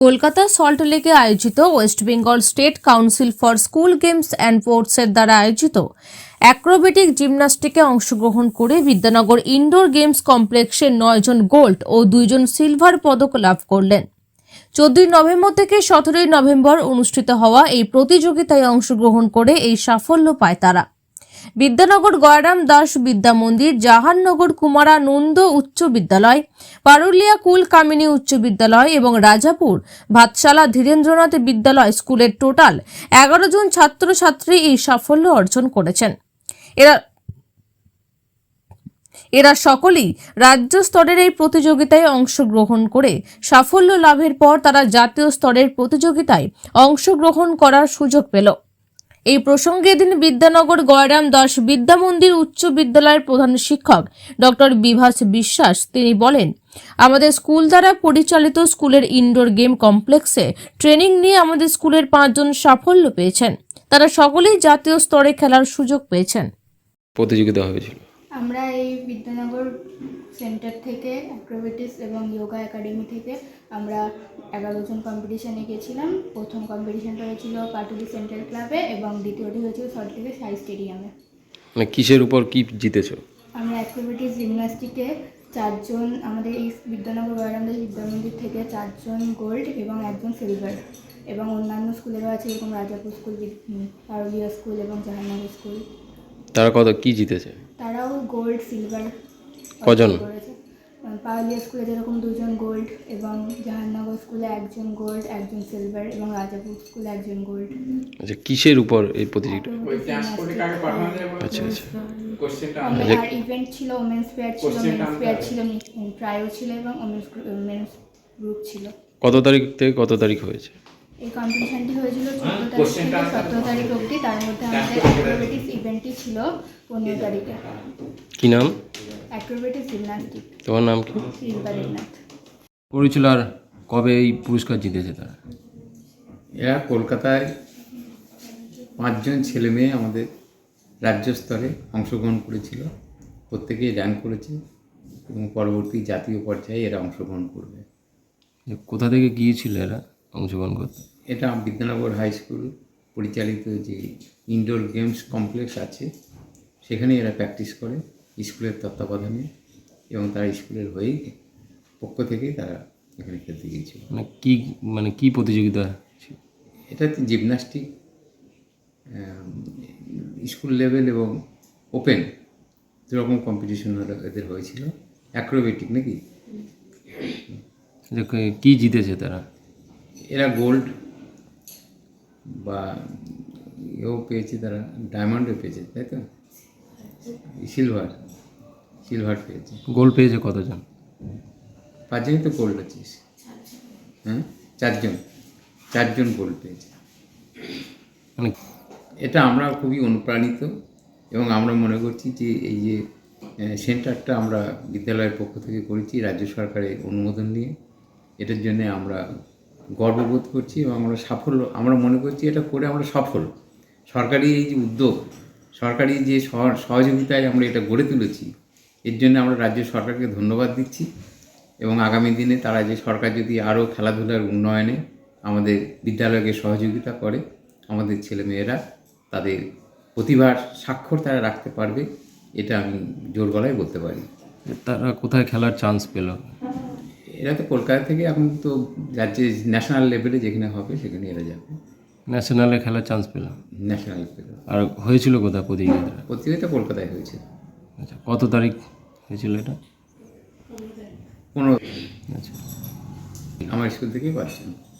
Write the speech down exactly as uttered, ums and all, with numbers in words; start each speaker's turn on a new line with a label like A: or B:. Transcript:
A: কলকাতা সল্টলেকে আয়োজিত West Bengal State Council for school games and স্পোর্টসের দ্বারা আয়োজিত অ্যাক্রোবেটিক জিমন্যাস্টিকে অংশগ্রহণ করে বিদ্যানগর ইনডোর গেমস কমপ্লেক্সে নয় জন গোল্ড ও দুইজন সিলভার পদক লাভ করলেন। চোদ্দই নভেম্বর থেকে সতেরোই নভেম্বর অনুষ্ঠিত হওয়া এই প্রতিযোগিতায় অংশগ্রহণ করে এই সাফল্য পায় তারা। বিদ্যানগর গয়রাম দাস বিদ্যা মন্দির, জাহাননগর কুমারানন্দ উচ্চ বিদ্যালয়, পারুলিয়া কুল কামিনী উচ্চ বিদ্যালয় এবং রাজাপুর ভাতশালা ধীরেন্দ্রনাথ বিদ্যালয় স্কুলের টোটাল এগারো জন ছাত্রছাত্রী এই সাফল্য অর্জন করেছেন। এরা এরা সকলেই রাজ্য স্তরের এই প্রতিযোগিতায় অংশগ্রহণ করে সাফল্য লাভের পর তারা জাতীয় স্তরের প্রতিযোগিতায় অংশগ্রহণ করার সুযোগ পেল। এই প্রসঙ্গে এদিন বিদ্যানগর গয়রাম দাস বিদ্যা মন্দির উচ্চ বিদ্যালয়ের প্রধান শিক্ষক ডক্টর বিভাস বিশ্বাস তিনি বলেন, আমাদের স্কুল দ্বারা পরিচালিত স্কুলের ইনডোর গেম কমপ্লেক্সে ট্রেনিং নিয়ে আমাদের স্কুলের পাঁচজন সাফল্য পেয়েছেন। তারা সকলেই জাতীয় স্তরে খেলার সুযোগ পেয়েছেন।
B: প্রতিযোগিতা হয়েছিল।
C: আমরা এই বিদ্যানগর সেন্টার থেকে অ্যাক্রোবেটিক্স এবং যোগা একাডেমি থেকে আমরা এগারো জন কম্পিটিশানে গেছিলাম। প্রথম কম্পিটিশানটা হয়েছিল পাটুলি সেন্ট্রাল ক্লাবে এবং দ্বিতীয়টি হয়েছিল সল্টলেকের সাই স্টেডিয়ামে।
B: মানে কিসের উপর কি জিতেছো?
C: আমরা অ্যাক্রোবেটিক্স জিমন্যাস্টিকে চারজন, আমাদের এই বিদ্যানগর গয়রাম দাস বিদ্যা মন্দির থেকে চারজন গোল্ড এবং একজন সিলভার, এবং অন্যান্য স্কুলেরও আছে, এরকম রাজাপুর স্কুল, পারুলিয়া স্কুল এবং জাহাননগর স্কুল।
B: তারা কত কি জিতেছে?
C: তারাও গোল্ড সিলভার
B: কজন
C: করেছে। পারুলিয়া স্কুলে যেরকম দুজন গোল্ড এবং জাহাননগর স্কুলে একজন গোল্ড একজন সিলভার এবং রাজাপুর স্কুলে একজন গোল্ড।
B: আচ্ছা, কিসের উপর এই প্রতিযোগিতা? আচ্ছা আচ্ছা।
C: আর ইভেন্ট ছিল, ওমেন্স ফেয়ার ছিল, মেন্স ফেয়ার ছিল, ট্রাইও ছিল এবং ওমেন্স গ্রুপ ছিল।
B: কত তারিখ থেকে কত তারিখ হয়েছে?
C: এই কম্পিটিশনটি হয়েছিল চোদ্দো তারিখ থেকে সতেরো তারিখ অবধি। তার মধ্যে আমাদের অ্যাক্রোবেটিক্স ইভেন্টটি ছিল পনেরো তারিখে।
B: কি নাম?
C: Acrobatics gymnastic.
B: তোমার নাম কি?
C: রিম্পাদেবনাথ।
B: পড়েছিল। আর কবে এই পুরস্কার জিতেছে তারা?
D: এরা কলকাতায় পাঁচজন ছেলে মেয়ে আমাদের রাজ্য স্তরে অংশগ্রহণ করেছিল। প্রত্যেকেই র্যাঙ্ক করেছে এবং পরবর্তী জাতীয় পর্যায়ে এরা অংশগ্রহণ করবে।
B: কোথা থেকে গিয়েছিল এরা অংশগ্রহণ করতে?
D: এটা বিদ্যানগর হাই স্কুল পরিচালিত যে ইনডোর গেমস কমপ্লেক্স আছে সেখানে এরা প্র্যাকটিস করে স্কুলের তত্ত্বাবধানে, এবং তারা স্কুলের হয়েই পক্ষ থেকেই তারা এখানে খেলতে গিয়েছিল।
B: মানে কি মানে কি প্রতিযোগিতা ছিল?
D: এটা জিমন্যাস্টিক স্কুল লেভেল এবং ওপেন দুরকম কম্পিটিশন এদের হয়েছিল। অ্যাক্রোবেটিক নাকি
B: কি জিতেছে তারা?
D: এরা গোল্ড বা এও পেয়েছে, তারা ডায়মন্ডও পেয়েছে, তাই তো? সিলভার সিলভার পেয়েছে।
B: গোল্ড পেয়েছে কতজন?
D: পাঁচজনই তো গোল্ড আছিস। হ্যাঁ, চারজন চারজন গোল্ড পেয়েছে।
B: মানে
D: এটা আমরা খুবই অনুপ্রাণিত এবং আমরা মনে করছি যে এই যে সেন্টারটা আমরা বিদ্যালয়ের পক্ষ থেকে করেছি রাজ্য সরকারের অনুমোদন নিয়ে, এটার জন্যে আমরা গর্ববোধ করছি এবং আমরা সাফল্য আমরা মনে করছি এটা করে আমরা সফল। সরকারি এই যে উদ্যোগ, সরকারি যে সহযোগিতায় আমরা এটা গড়ে তুলেছি, এর জন্য আমরা রাজ্য সরকারকে ধন্যবাদ দিচ্ছি। এবং আগামী দিনে তারা যে সরকার যদি আরও খেলাধুলার উন্নয়নে আমাদের বিদ্যালয়কে সহযোগিতা করে, আমাদের ছেলেমেয়েরা তাদের প্রতিভার স্বাক্ষর তারা রাখতে পারবে, এটা আমি জোর গলায় বলতে পারি।
B: তারা কোথায় খেলার চান্স পেল?
D: এরা তো কলকাতা থেকে এখন তো রাজ্যে ন্যাশনাল লেভেলে যেখানে হবে সেখানে এরা যাবে।
B: ন্যাশনালে খেলার চান্স পেল?
D: ন্যাশনাল পেল।
B: আর হয়েছিল কোথায় প্রতিযোগিতা?
D: প্রতিযোগিতা কলকাতায় হয়েছে।
B: আচ্ছা, কত তারিখ হয়েছিল এটা?
D: পনেরো।
B: আচ্ছা,
D: আমার স্কুল থেকেই পাচ্ছেন।